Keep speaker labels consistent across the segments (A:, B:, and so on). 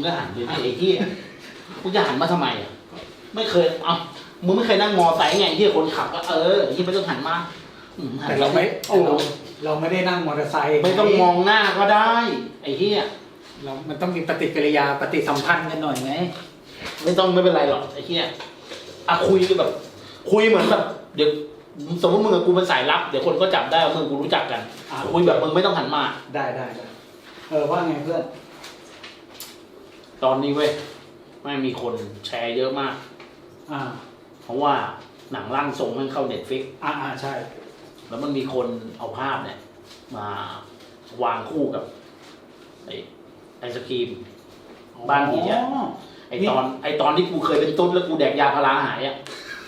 A: ก็หันไปไอ้เหี้ยกูจะหันมาทำไมอ่ะไม่เคยมึงไม่เคยนั่งมอไซค์ไงที่คนขับก็ที่ไม่ต้องหันมา
B: แต่เราไม่ได้นั่งมอเตอร์ไซค์
A: ไม่ต้องมองหน้าก็ได้ไอ้เหี้ย
B: มันต้องมีปฏิกิริยาปฏิสัมพันธ์กันหน่อยไง
A: ไม่เป็นไรหรอกไอ้เหี้ยคุยแบบคุยเหมือนแบบเดี๋ยวสมมติมึงกับกูเป็นสายลับเดี๋ยวคนก็จับได้ว่ามึงกูรู้จักกันคุยแบบมึงไม่ต้องหันมา
B: ได้ว่าไงเพื่อน
A: ตอนนี้เว้ยไม่มีคนแชร์เยอะมากเพราะว่าหนังร่างทรงมันเข้า Netflix
B: ใช่
A: แล้วมันมีคนเอาภาพเนี่ยมาวางคู่กับไอศกรีมบ้านผีอ่ะไอตอนที่กูเคยเป็นตุ๊ดแล้วกูแดกยาพาราหายอ่ะ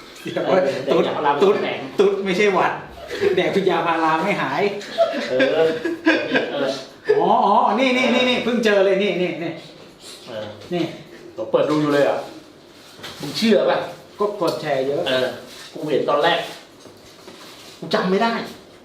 B: ตุ๊ดไม่ใช่หวัดแดกยาพาราไม่หายนี่เพิ่งเจอเลยนี่
A: เราเปิดดูอยู่เลยอ่ะมึงเชื่อป่ะ
B: ก็กดแชร์เยอะ
A: กูเห็นตอนแรกกูจำไม่ได้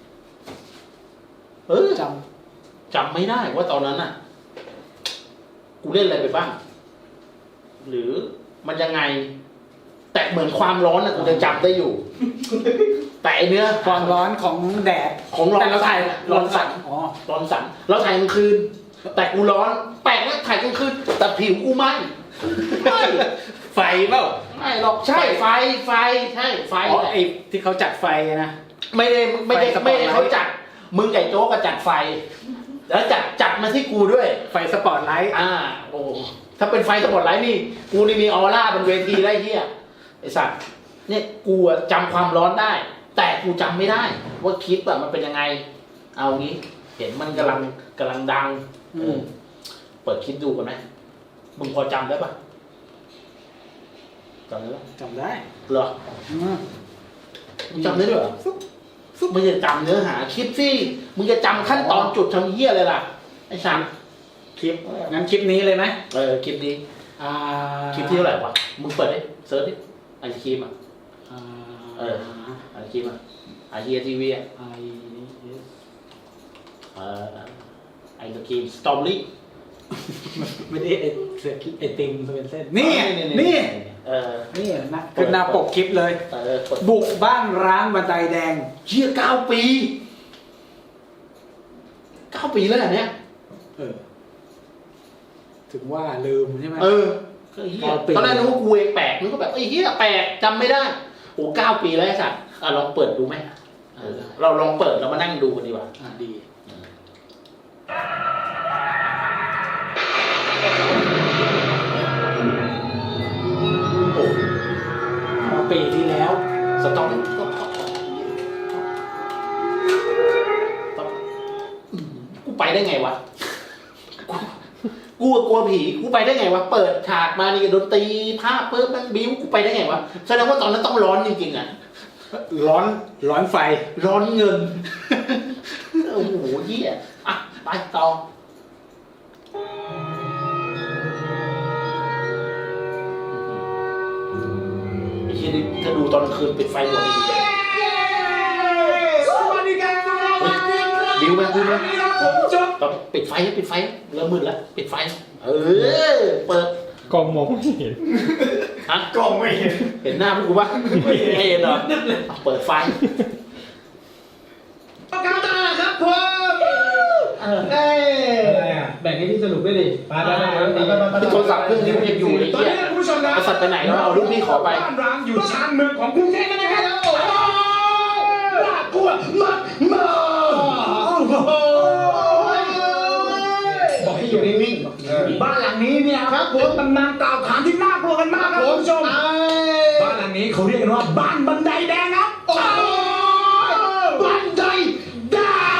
A: จำไม่ได้ว่าตอนนั้นน่ะกูเล่นอะไรไปบ้างหรือมันยังไงแต่เหมือนความร้อนนะกูจะจำได้อยู่แต่เนื้อ
B: ความร้อนของแดด
A: ของร้อนเราถ่ายร้อนสั่นเราถ่ายกลางคืนแต่กูร้อนแปลกนะถ่ายกลางคืนแต่ผิวกูไหม้
B: ไฟเปล่า
A: ไม่หรอกใช่ไฟใช่ไฟ
B: ไอ้ที่เขาจัดไฟนะ
A: ไม่ได้เขาจัดมึงไก่โจ๊กก็จัดไฟแล้วจัดมาที่กูด้วย
B: ไฟสปอตไลท์
A: โอ้ถ้าเป็นไฟสปอตไลท์นี่กูนี่มีออร่าบนเวทีได้เหี้ยไอ้สัตว์เนี่ยกูจำความร้อนได้แต่กูจำไม่ได้ว่าคลิปมันเป็นยังไงเอางี้เห็นมันกำลังดังเปิดคลิปดูกันไหมมึงพอจำได้ปะจำได้ปะ
B: จำได้
A: เหรอมึงจำได้ด้วยเหรอมึงจะจำเนื้อหาคลิปสิมึงจะจำขั้นตอนจุดทำเหี้ยเลยล่ะไอ้สัตว์
B: คลิปงั้นคลิปนี้เลยไหม
A: คลิปนี้คลิปที่เท่าไหร่วะมึงเปิดดิเซิร์ชดิไอคลิปไอคลิปไอเฮียทีวีไอคลิปสตรอเบอรี่
B: ไม่ได้ไอติมเป็นเส้นนี่นะคือหน้าปกคลิปเลยบุกบ้านร้างบันไดแดง
A: เชี่ย9 ปีแล้วเนี่ย
B: ถึงว่าลืมใช่ไหม
A: ตอนแรกนึกว่ากูเองแปลกนึกว่าแบบเฮียแปลกจำไม่ได้โอ้9 ปีแล้วไอ้สัตว์ลองเปิดดูไหมเราลองเปิดแล้วมานั่งดูกันดีกว่า
B: ดีปีที่แล้ว
A: สต็อกกูไปได้ไงวะกูกลัวผีกูไปได้ไงวะเปิดฉากมานี่ดนตรีภาพเพิ่มมันบิ้วกูไปได้ไงวะแสดงว่าตอนนั้นต้องร้อนจริงๆอ่ะ
B: ร้อนไฟ
A: ร้อนเงินโอ้โหเหี้ยไปต่อถ้าดูตอนคืนปิดไฟหมดเลยบิวไหมต้องปิดไฟเริ่มมืดแล้วปิดไฟเปิด
C: กล้องมองไม่เห็น
A: กล้องไม่เห็นหน้าพวกกูปะไม่เห็นหรอเปิดไฟครับผม
C: แบ่งให้พี่สรุปด้วยดิ
A: โทรศัพท์เครื่องนี้มันยังอยู่เลยตอนนี้คุณผู้ชมนะสัตว์ไปไหนแล้วเอาลูกพี่ขอไป
D: บ้านร้างอยู่ชานเมืองของกรุงเทพนะครับน่ากลัวมาก
A: บอกให้อยู่นิ่ง
D: ๆบ้านหลังนี้เนี่ยครับผมตำนานกล่าวขานที่น่ากลัวกันมากครับคุณผู้ชมบ้านหลังนี้เขาเรียกกันว่าบ้านบันไดแดงครับบันไดแด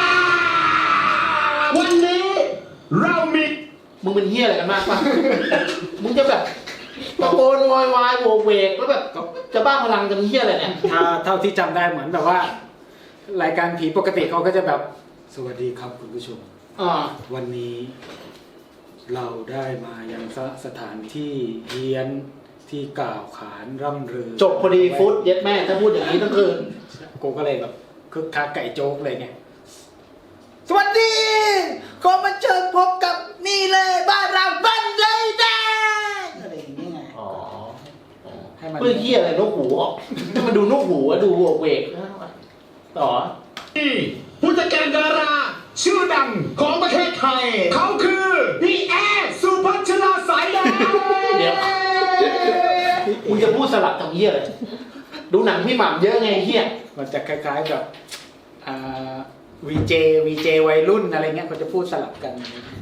D: งวันนี้เรามี
A: มึงเป็นเหี้ยอะไรกันมากป่ะมึงจะแบบตะโกนวายโวกเวกแล้วแบบจะบ้าพลังจะเหี้ยอะไรเนี่ย
B: เท่าที่จำได้เหมือนแบบว่ารายการผีปกติเขาก็จะแบบสวัสดีครับคุณผู้ชมวันนี้เราได้มายังสถานที่เฮียนที่กล่าวขานร่ำลือ
A: จบพอดีฟุตเย็ดแม่ถ้าพูดอย่างนี้ต้องคืน
B: กูก็เลยแบบคึกคักไก่โจ๊กเลยไงสวัสดีขอมาเชิญพบกับนี่เลยบ้านเราบันไดแดงให้มัน
A: เพื่อเหี้ยอะไรนกหูออกให้มันดูนกหูอะดูเวกต่อ
D: ผู้จัดการดาราชื่อดังของประเทศไทย เขาคือพี่แอร์สุพัชราสายแดง
A: เดี๋ยวมึงจะพูดสลับทำเหี้ยอะไรดูหนังพี่หม่ำเยอะไงเหี้ย
B: มันจะคล้ายๆกับวีเจวัยรุ่นอะไรเงี้ยเขาจะพูดสลับกัน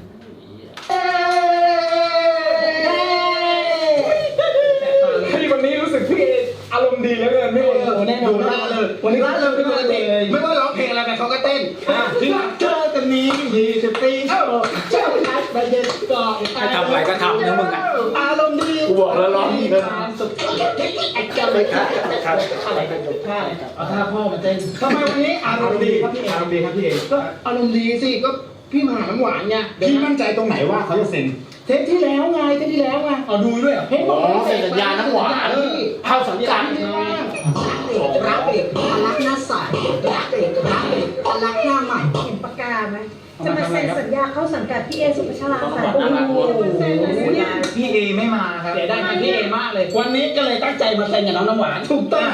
D: พี่วันนี้รู้สึกพี่อารมณ์ดีแล้วเกินพี่ดูหน้าเลยวันนี้ร่าเริงขึ้นมาเลยไม่ว่าร้องเพลงอะไรไปเขาก็เต้นที่รักเจอกันนี้20 ปีเจ้าทักไปเด็ดก่อน
B: ให้ทำอะไรก็ทำนะมึงอ่ะ
D: อารมณ์ดี
A: กูบอกแล้วร้องดีเลย
D: สุดไอ้เจ้าเลยค่ะอะไรกันอยู่ท่าเอาท่าพ่อมาเต้นทำไมวันนี้อารมณ์ดีครับพี่เออารมณ์ดีครับพี่เอก็อารมณ์ดีสิก็พี่มหาน้ำหวานไงพี่มั่นใจตรงไหนว่าเขาจะเซ็นเทปที่แล้วไงเอาดูด้วยเหรอเฮ้ย
A: อ๋อเซ็นสัญญาน้ำหวานเข้าสังกัด
E: รักเด็กรักหน้าใสรักเด็กรักหน้าใหม่
F: เห็นปากกาไหมจะมาเซ็นสัญญาเข้าสังกัดพี่เอสุภาชราสาย
A: โอ้โห
D: พี่เอไม่มาครับเสียดายพี่เอมากเลยวันนี้ก็เลยตั้งใจมาเซ็นกับน้องน้ำหวานถูกต้อง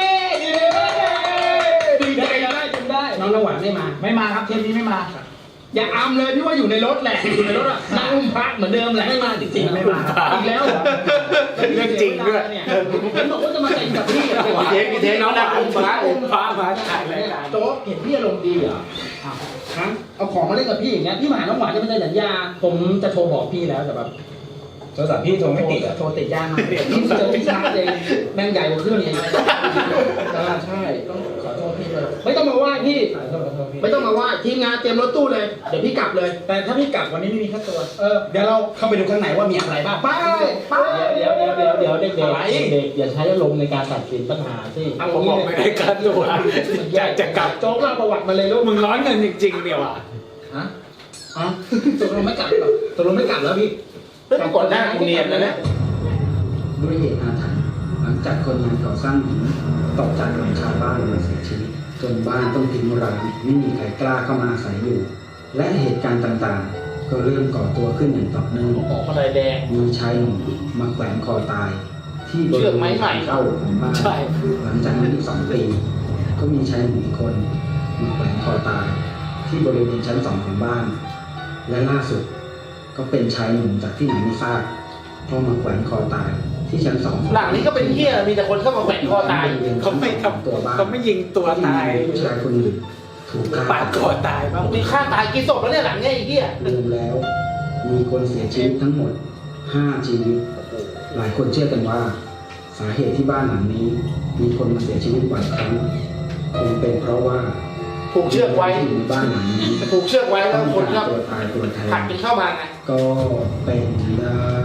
D: ดีใจได้จนได้น้องน้ำหวานไม่มาครับเทปนี้ไม่มาอย่าอำเลยพี่ว่าอยู่ในรถแหละอยู่ในรถอ่ะนั่งอุ้มพระเหมือนเดิมแหละไม่มาจริงๆไม่มาอีกแล้วเหรอ
B: เรื่องจริงด้วย
D: เนี่ยผมบอกว่าจะมาเซ็นกับพี่
A: พี่เทคน้องดังพระ
B: พามาถ่ายรายการ
D: โจ๊กเห็นพี่อารมณ์ดีเหรอฮะเอาของมาเล่นกับพี่อย่างเงี้ยพี่มหาน้องหวานจะไม่ได้สัญญาผมจะโทรบอกพี่แล้วแต่แบบโทรศัพท์พี่โทรไม่ติดอะโทรติดยากมากพี่เจอพี่ชาร์จเองแม่งใหญ่กว่าเครื่องเองใช่ต้องขอโทษพี่เลยไม่ต้องมาไหว้พี่ไม่ต้องมาไหว้ทีมงานเตรียมรถตู้เลยเดี๋ยวพี่กลับเลย แต่ถ้าพี่กลับวันนี้ไม่มีค่าตัวเดี๋ยวเราเข้าไปดูข้างในว่ามีอะไรบ้างไปเดี๋ยวเด็กอย่าใช้อารมณ์ในการตัดสินปัญหาสิ
B: ผมบอกไม่ได้การตัวอยากจะกลับ
D: โจ๊กเล่าประวัติมาเลยลูก
B: มึงร้อนเงินจริงๆเนี่ยว่ะ
D: ฮะตกลงไม่กลับหรอตกลงไม่กลับแล้วพี่
A: เฮ้ยก่อนหน้ากูเนียนนะเนี่ย
G: ด้วยเหตุอาถรรพ์หลังจากคนงานก่อสร้างหินตกจากหลังคาบ้านมาเสียชีวิตจนบ้านต้องทิ้งร้างไม่มีใครกล้าเข้ามาอาศัยอยู่ และเหตุการณ์ต่างๆ ก็เริ่มก่อตัวขึ้นอย่างต่อเนื่อง
A: หมอคนใดแดง
G: มีชายหนุ่มมาแขวนคอตาย ที่บริ
A: เชื
G: เว
A: อก
G: ณ
A: ไม้ใหม่
G: เข้าของบ้าน
B: ใช่
G: หลังจากนั้นอีก2 ปี ก็มีชายหนุ่มอีกคนมาแขวนคอตาย ที่บริเวณชั้น2ของบ้าน และล่าสุดก็เป็นชายหนุ่มจากที่ไหนไม่ทราบก็มาแขวนคอตายที่ชั้น2ของ
A: หลังนี้ก็เป็นเหี้ยมีแต่คนเข้ามาแขวนคอตาย
B: เขาไม่ทำเขาไม่ยิงตัวตาย
G: ผู้ชายคนหนึ่งถูกฆ่า
B: ปาดคอตายบ้าง
A: มีฆ่าตายกี่ศพแล้วเนี่ยหลังเนี่ยไอ้เหี้ย
G: รวมแล้ว มีคนเสียชีวิตทั้งหมด5 ชีวิต หลายคนเชื่อกันว่า สาเหตุที่บ้านหลังนี้ มีคนมาเสียชีวิตบ่อยครั้งคงเป็นเพราะว่า
A: ผูกเชือกไว้
G: ที่อยู่ในบ้านหลังนี้
A: ผูกเชือกไว้แล้วคนก็
G: ตัวตายตัวแท
A: ผลัก
G: น
A: กันเข้ามาไง
G: ก็เป็นได้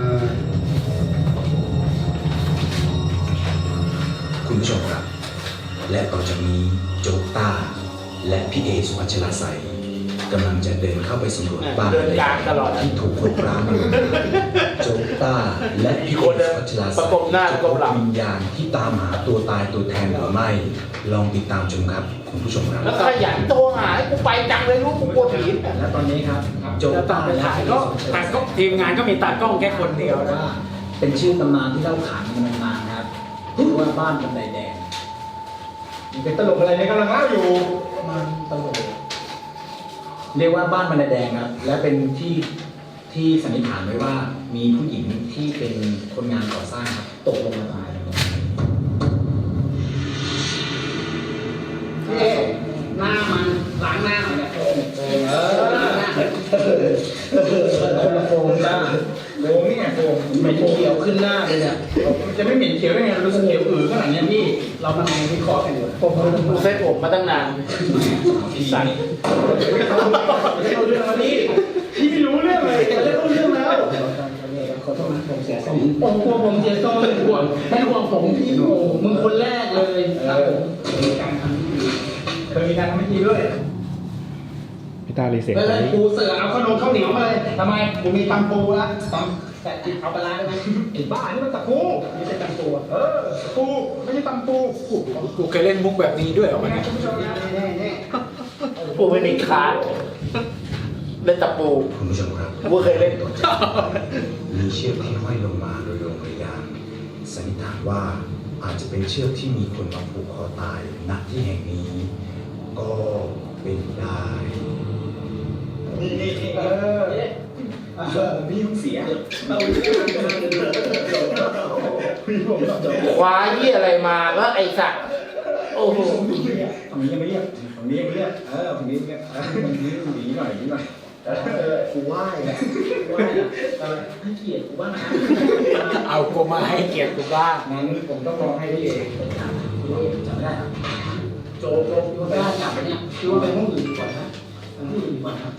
H: คุณผู้ชมครับ และต่อจากนี้โจ๊กต้า และพี่เอสุพัชราใสกำลังจะเดินเข้าไปสำรวจบ้าน
A: เดินกลางตลอด
H: ที่ถูกคนร้างมาโจ๊กต้า และพี่เอสุพัชราใส
A: ประกบหน้าประกบหลัง
H: วิญญาณที่ตามหาตัวตายตัวแทนหรือไม่ ลองติดตามชมครับคุณผู้ชมครับ
A: แล้วขยันโทรหาให้กูไปจังเลยลูกกูปวดผี
D: และตอนนี้ครับโจ๊ก
B: แล้วตอนไปถ่ายก็ตากล้องทีมงานก็มีตากล้องแค่คนเดียวนะ
E: เป็นชื่อตำนานที่เล่าขานกันมานานครับชื่อว่าบ้านบันไดแดง
D: เป็นตลกอะไรเนี่ยกำลังเล่าอยู่
E: มันตลกเรียกว่าบ้านบันไดแดงครับ และเป็นที่สันนิษฐานไว้ว่ามีผู้หญิงที่เป็นคนงานก่อสร้างครับตกลงมาตายหน้ามันล้างหน้าหน่อยนะคนละโฟมจ้า
D: โฟมนี่ไงโฟม
E: เหม็นเขียวขึ้นหน้าเลยเนี่ย
D: จะไม่เหม็นเขียวได้ไงรู้สึกเขียวอือขนาดเนี้ยพี่
E: เรามาลองวิเคราะห์กันดู
A: กูเซ็ตผมมาตั้งนาน
E: สั่น
D: เอาเรื่องมาพี่พี่ไม่รู้เรื่องเลยจะเล่าเรื่องแล้ว
E: ขอโทษนะผมเสียทรง
D: ผมกลัวผมเสียโซ่เป็นห่วงเป็นห่วงผมพี่โอ้มึงคนแรกเลยครับผม
E: การทำที่ดี
D: เคยมีการทำพิธีด้วย
C: พี่ตาลีเสียง
D: เฮ้ย
C: ไหม
D: ปูเสือเอาขนมข้าวเหนียวมาเลยทำไมกูมีตำปูแล้วตำแต่เอาปลาร้าได้ไหมไอ้บ้านี่มันตะปูไม่ใช่ตำปูปูไม่ใช่ตำปู
B: กูเคยเล่นมุกแบบนี้ด้วยเหรอวะ
D: นะ
B: เนี่ย
D: คุณผู้ชมนะนี่
A: กูไม่มีคาร์ดเล่นตะปู
H: คุณผู้ชมครับ
A: กูเคยเล่น
H: มีเชือกที่ห้อยลงมาโดยดวงวิญญาณสันนิษฐานว่าอาจจะเป็นเชือกที่มีคนมาผูกคอตายณที่แห่งนี้ ก็เป็นได้
E: พี่ยุ่งเสีย
A: คว้าเหี้ยอะไรมาแล้วไอ้สัตว์โอ้โห
E: ฝั่งนี้ยังไม่เรียกฝั่งนี้ยังไม่เรียกฝั่งนี้เนี่ยฝั่งนี้หนีหน่อยกูไหว้ให้เกียรติกูบ้างนะ
B: เอากูมาให้เกียรติกูบ้าง
E: งั้นผมต้องรอให้พี่เอกจำไม่ได้ครับโจพี่ว่าไม่ได้จับไปเนี่ยพี่ว่าไปห้องอื่นดีกว่านะห้องอื่นดีกว่าครับ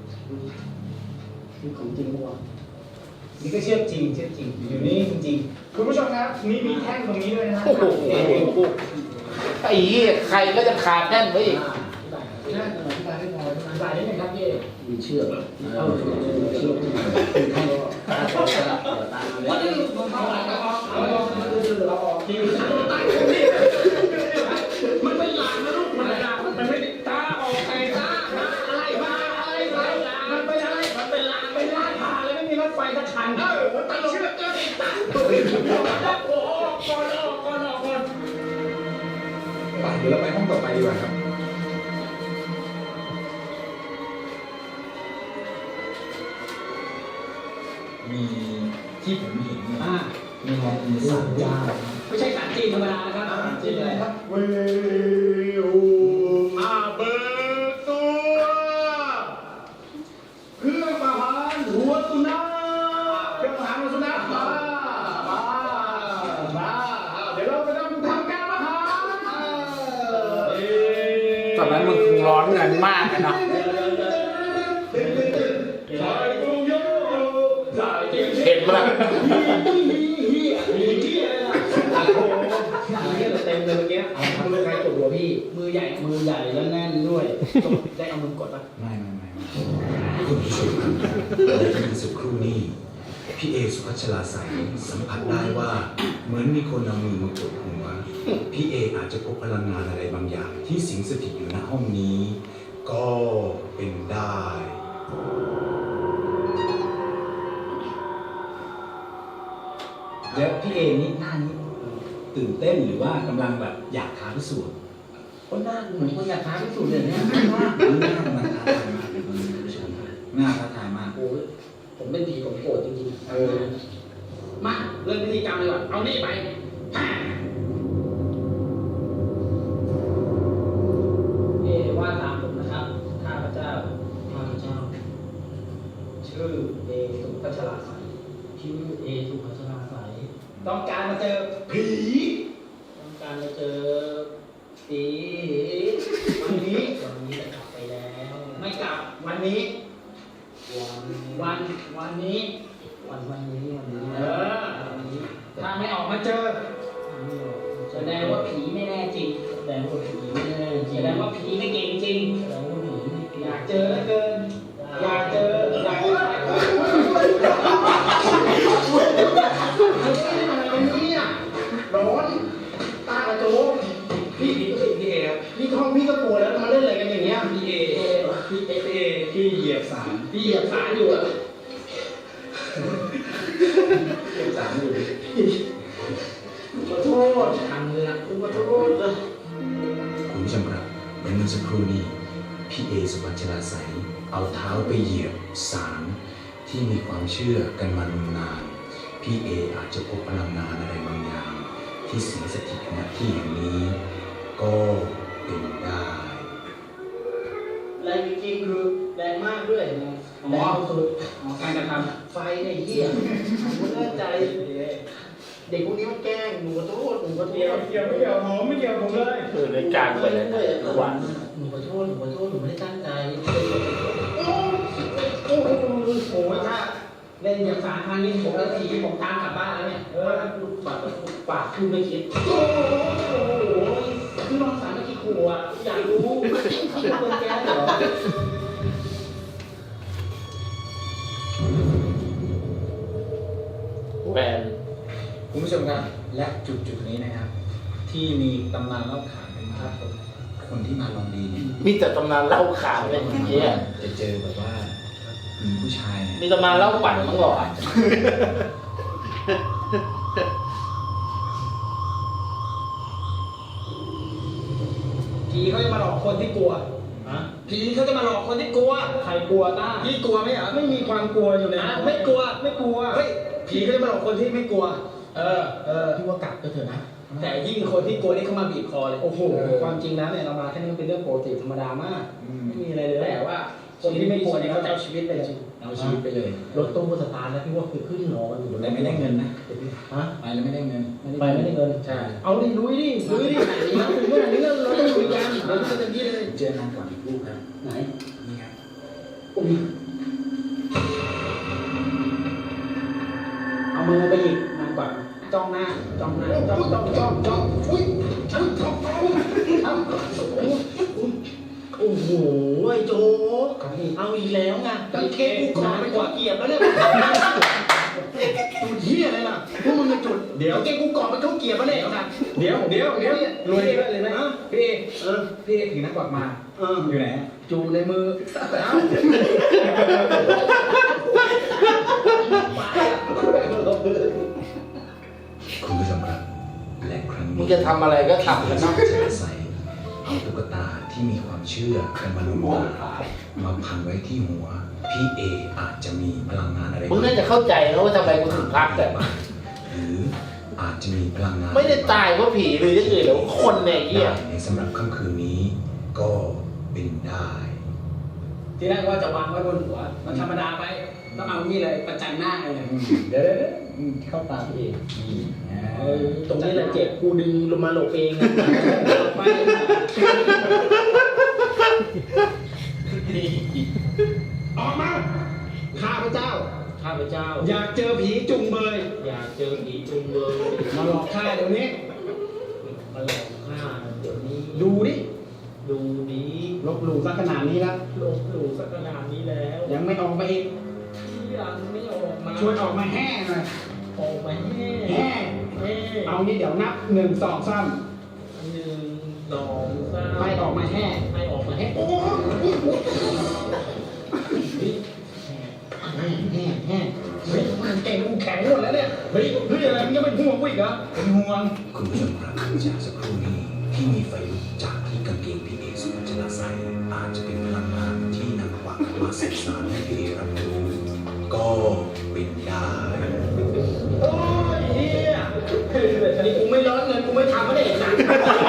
E: นี่ของจริงปะวะนี่ก็เชื่อจริงอยู่นี่จริงๆคุณผู้ชมครับมีแท่งตรงนี้ด้วยนะ
A: โอ้โหไอ้เหี้ยใครก็จะขาดแน่นไว้อีก
E: อธิบายได้ไหมครับพี่เอก
D: มีเชือก
E: เชื่อที่ไหนวันนี้เราออกทีมันเป็นหลังนะลูกมันหลังมันไม่ได้ตาออกไงตาอะไรมันเป็นอะไรมันเป็นหลังเป็นลาดผ่านเลยไม่มีรถไฟสักคันมันตัดเชือกเจอติดตาโอ้ก่อนเดี๋ยวเราไปห้องต่อไปดีกว่าครับมีที่ผมเห็นเนี่ยมีสามย่าไม่ใช่สารจีนธรรมดานะครับสารจีนอะไรครับเวลเบิกตัวเครื่องประหารหัวสุนัขเครื่องประหารหัวสุนัขมาเดี๋ยวเราไปทำการประหาร
B: ตอนนั้นมึงคงร้อนเงินมากนะ
A: เห็นปะล่ะ
D: เต็มเลยเมื่อกี้มือใครกดหัวพี่มือใหญ่แล้วแน่นด้วยได้เอามือกดปะ
H: ไม่คุณผู้ชมครับและเมื่อสักครู่นี้พี่เอสุพัชราใสสัมผัสได้ว่าเหมือนมีคนเอามือมากดหัวพี่เออาจจะพบพลังงานอะไรบางอย่างที่สิงสถิตอยู่ณห้องนี้ ก็เป็นได้
E: แล้วพี่เอนี่หน้านี้ตื่นเต้นหรือว่ากำลังแบบอยากท้าพิสูจน์
D: คนหน้าเหมือนคนอยากท้าพิสูจน์เลยเนี่ย
E: หน้ากำลังท้าทายมากเลยคุณผู้ชมหน้าท้าทายมาก
D: โอ้ยผมเป็นผีผมโกรธจริงๆมาเริ่มพิธีกรรมเลยก่อนเอานี่ไปว่าตามผมนะครับข้าพเจ้าชื่อเอสุพัชราใสต้องการมาเจอผีต้องการมาเจอผีวันนี้จะกลับไปแล้วไม่กลับวันนี้วันนี้ถ้าไม่ออกมาเจอแสดงว่าผีไม่แน่จริงแสดงว่าผีไม่เก่งจริงอยากเจอแล้วเกินอยากเจอร้อนตากระโจมพี่เอครับพี่ท้องพี่ก็ปวดแล้วมาเล่นอะไรกันอย่างเงี้ยพี่เหยียบสารอยู่อะเหยียบสารอยู่ขอโทษทำเลยนะขอโทษเลย
H: คุณผู้ชมครับเมื่อสักครู่นี้พี่เอสุพัชราใสเอาเท้าไปเหยียบสารที่มีความเชื่อกันมานานพี่เออาจจะพบพลังงานอะไรบางอย่างที่สิงสถิตณที่แห่งนี้ก็เป็นได้
D: แรงจริงๆคือแรงมากด้วยแรงสุดการกระทำไฟเนี่ยเหี้ยผมไม่แน่ใจเด็กพวกนี้มันแกล้งหนูขอโทษไม่เกี่ยวผมเลย
A: คือในการไปเลยวัน
D: หนูขอโทษหนูไม่ได้ตั้งใจโอ้ยถ้าเล่นอย่างสารทางนี้ผมนาทีผมตามกลับบ้านแล้วเนี่ยปากคือไม่คิดโอ้โหคือน้องสารไม่คิดขู่อ่ะอยากรู้ที่คนแกเหรอ
A: แวน
E: คุณผู้ชมครับและจุดนี้นะครับ ที่มีตำนานเล่าขานกันมาคนที่มาลองดีเนี่ย
A: มีแต่ตำนานเล่าข่าวเลยเหี้ย
E: จะเจอแบบว่ามีผู้ชายเนี่ย
A: มีตำนานเล่าปั่นมั้งหรอ
D: คนที่กลัว
E: ฮะ
D: ผีเขาจะมาหลอกคนที่กลัว
E: ใครกลัวต้า
D: พี่กลัวไหมอ่ะ
E: ไม่มีความกลัวอยู่ใน
D: ไม่กลัวไม่กลัวเฮ้ยผีเขาจะมาหลอกคนที่ไม่กลัว
E: พี่ว่ากลับก็เถอะนะ
D: แต่ยิ่งคนที่กลัวนี่เขามาบีบคอเลย
E: โอ้โหความจริงแล้วเนี่ยเรามาแค่นี้มันเป็นเรื่องปกติธรรมดามากไม่มีอะไรเลย
D: แต่ว่า
E: คนที่ไม่กลัวเนี่ยเขาจะเอาชีวิตไปเลย
D: เอาชีวิตไปเลย
E: รถตู้สตาร์ทแล้วพี่ว่าคือขึ้นหนอกันอยู่
D: แต่ไม่ได้เงินนะ
E: ฮะ
D: ไปแล้วไม่ได้เงิน
E: ไปไม่ได้เงิน
D: ใช่
E: เอาดิลุยดินะถึงขนาดนี้เราต้องลุยกันเราต้องเต็มที่เลย
D: เจอนางก่อนอีกลูกครับ
E: ไหน
D: นี่ครับ
E: อุ้ยเอามือไปหยิบมันก่อนจ้องหน้าจ้องหน้าจ้องอุ้ยโอ้โหไอ้โจเอาอีกแล้วไงกางเกงกูก่อนไปกว่าเกียบแล้วเนี่ยจุดเหี้ยอะไรล่ะพวกมึงจะจุดเดี๋ยวเกงกูก่อนไปเข้าเกียบแล้วเนี่ยเดี๋ยวรวยเลยนะพี่พี่ถือนักกวักมาอยู่ไหนจูในมือ
H: คุณผู้ชมครับและครั้งนี้
A: มึงจะทำอะไรก็ทำกันเนาะ
H: จะอาศัยเอาตุ๊กตาที่มีความเชื่อกันมาลงมาพันไว้ที่หัว พี่เออาจจะมีพลังงานอะไร
A: มึงน่าจะเข้าใจนะว่าทำไมกูถึงพักแต่
H: หรืออาจจะมีพลังงาน
A: ไม่ได้ตายเพราะผีหรือจะเกิดแล้วคนเนี่ยเหี้ย
H: ในสำหรับค่ำคืนนี้ก็เป็นได้
D: ที่แรกว่าจะวางไว้บนหัว มันธรรมดาไปต้องเอานี่เลยประจันหน้าเลย
E: เดี๋ยวเข้าตาพี่เองตรงนี้แหละเจ็บกูดึงลงมาหลบเองไป
D: ออกมาข้าพเจ้า
E: ข้าพเจ้า
D: อยากเจอผีจุงเบย
E: อยากเจอผีจุงเบย
D: มาหลอกข้าเดี๋ยวนี้
E: มาหลอกข้าเดี๋ยวนี้
D: ดูดิ
E: ดูดี
D: ลบหลู่ซะขนาดนี้แล้ว
E: ลบหลู่สักขนาดนี้แล้ว
D: ยังไม่ออกมาอีก
E: ยังไม่ออกมา
D: ช่วยออกมาแห่หน่อย
E: ออกมาแห่
D: แห่ เอางี้เดี๋ยวนับ1 2 3
E: 1 2 3
D: ไม่ออกมาแห่
E: ไม่ออกมาแห่โอ้แห่
D: เฮ้ยมันเก่งกูแข็งหมดแล้วเนี่ย เฮ้ยอะไรมึงยังเป็นห่วงกูอีกเหรอเป็นห่วง
H: คุณผู้ชมครับจากสักครู่นี้ที่มีไฟลุกจากที่กางเกงพี่เอสุวัชนาใส่อาจจะเป็นพลังงานที่นำความมาสื่อสารให้พี่เอรับรู้ก็เป็นได้
E: โอ้ยเฮียนี่กูไม่ร้อนเงินกูไม่ทำไม่ได้เห็นหนัง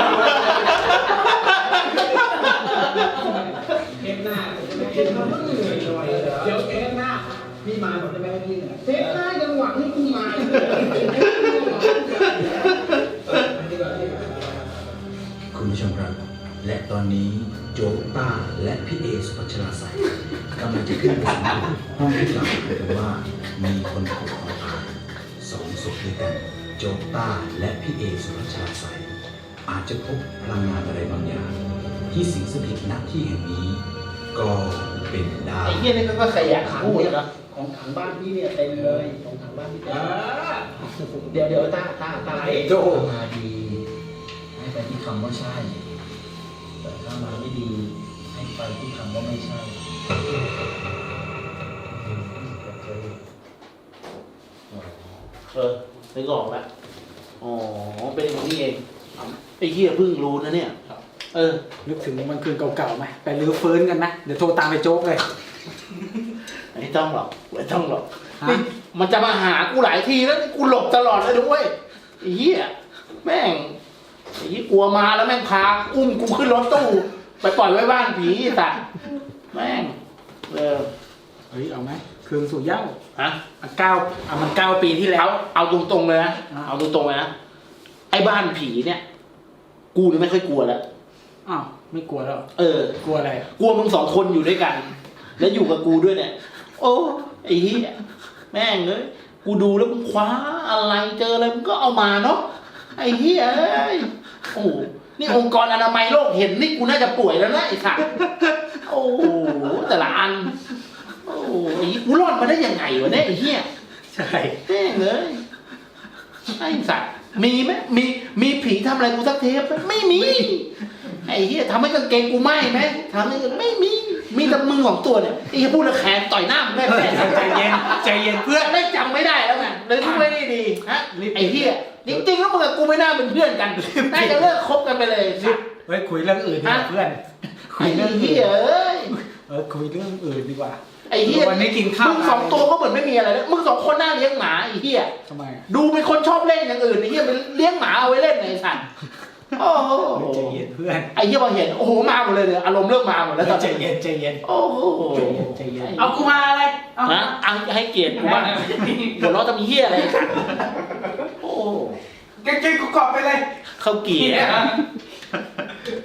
D: เทปหน้าเทปหน้าต้องเหนื่อยหน่อยเดี๋ยวเทปหน้าพี่มาผมจะไม่ให้พี่เหนื่อยเทปหน้ายังหวังให้กูมา
H: คุณผู้ชมครับและตอนนี้โจ๊กต้าและพี่เอสุพัชราใสยกำลังจะขึ้นไปสำรวจห้องที่กล่าวกันว่ามีคนถูกของตาย2 ศพด้วยกันโจ๊กต้าและพี่เอสุพัชราใสยอาจจะพบพลังงานอะไรบางอย่างที่สิงสถิตณที่แห่งนี้ก็เป็นได้
A: ไอ้เหี้ยนี่ก็ขยันพูดนะ
E: ของถังบ้านพี่เนี่ยเต็มเลยของถังบ้านพี่เต็มเดี๋ยวตาโจ
D: มาดีให้ไปที่คำว่าใช่แต่ถ้ามาไม่ดีให้ไปที่คำว่าไม่ใช่
A: นึกออกแล้วอ๋อเป็นอย่างนี้เองไอ้เหี้ยเพิ่งรู้นะเนี่ย
B: นึกถึงวันคืนเก่าๆไหมไปรื้อฟื้นกันนะเดี๋ยวโทรตามไปโจ๊กเลย
A: ไม่ต้องหรอกนี่มันจะมาหากูหลายทีแล้วนี่กูหลบตลอดเลยด้วยไอ้เหี้ยแม่งไอ้เหี้ยกลัวมาแล้วแม่งพาอุ้มกูขึ้นรถตู้ไปปล่อยไว้บ้านผีสัตว์แม่ง
B: เฮ้ยเอาไหมคืนสู่เหย้า
A: ฮะ
B: มัน9 ปีที่แล้ว
A: เอาตรงๆเลยนะ
B: อ่า
A: เอาตรงๆเลยนะไอ้บ้านผีเนี่ย กูนี่ไม่ค่อยกลัวแล้ว
B: อ้าวไม่กลัวแล้ว กลัวอะไร
A: กลัวมึง2 คนอยู่ด้วยกัน แล้วอยู่กับกูด้วยเนี่ย โอ้ไอ้เหี้ยแม่งเลยกูดูแล้วมึงคว้าอะไรเจออะไรมึงก็เอามาเนาะไอ้เหี้ยเอ้ยโอ้โหนี่องค์กรอนามัยโลกเห็นนี่กูน่าจะป่วยแล้วนะไอ้สัตว์โอ้โหแต่ละอันโอ้โหไอ้กูรอดมาได้ยังไงวะเนี่ยไอ้เหี้ย
B: ใช่
A: แม่งเลยไอ้สัตว์มีไหมมีผีทำอะไรกูสักเทปไหมไม่มีไอ้เหี้ยทำให้กางเกงกูไหม้ไหมทำให้ไม่มีแต่มือของตัวเนี่ยไอ้เหี้ยพูดแล้วแขนต่อยหน้ามึงได้ไหม
B: ใจเย็นเพื่อน
A: ได้จำไม่ได้แล้วไงเลยไม่ได้ดีฮะไอ้เหี้ยจริงๆแล้วมึงกับกูไม่น่าเป็นเพื่อนกันน่าจะเลิกคบกันไปเลย
B: เฮ้ยคุยเรื่องอื่นดีกว่าเพื่อนคุ
A: ไอ้
B: ยเรื่อง
A: เหี้
B: อื่
A: ย
B: น
A: เอ้ย
B: คุยเรื่องอื่นดีกว่า
A: ไอ้เหี้ย
B: วันนี้กินข้าว
A: มึงสองตัวก็เหมือนไม่มีอะไรแล้วมึงสองคนน่าเลี้ยงหมาไอ้เหี้ย
B: ทำไมอะ
A: ดูเป็นคนชอบเล่นอย่างอื่นไอ้เหี้ยมันเลี้ยงหมาเอาไว้เล่นไอ้สัตว์โอ้โห
B: ใจเย็นเพื่อน
A: ไอ้เหี้ยพอเห็นโอ้โหมาหมดเลยเนี่ยอารมณ์เริ่มมาหมดแล้วตอน
B: ใจ
A: นี้
B: เย็นใจเย็น
A: โอ้โห
B: ใจเย็น
D: เอากูมาอะไรเอา
A: นะเอาให้เกียรติกูบ้างหัวเราะจะมีเหี้ยอะไรกันโอ้
B: เก่งๆกูกรอบไปเลย
A: เข้าเกียร์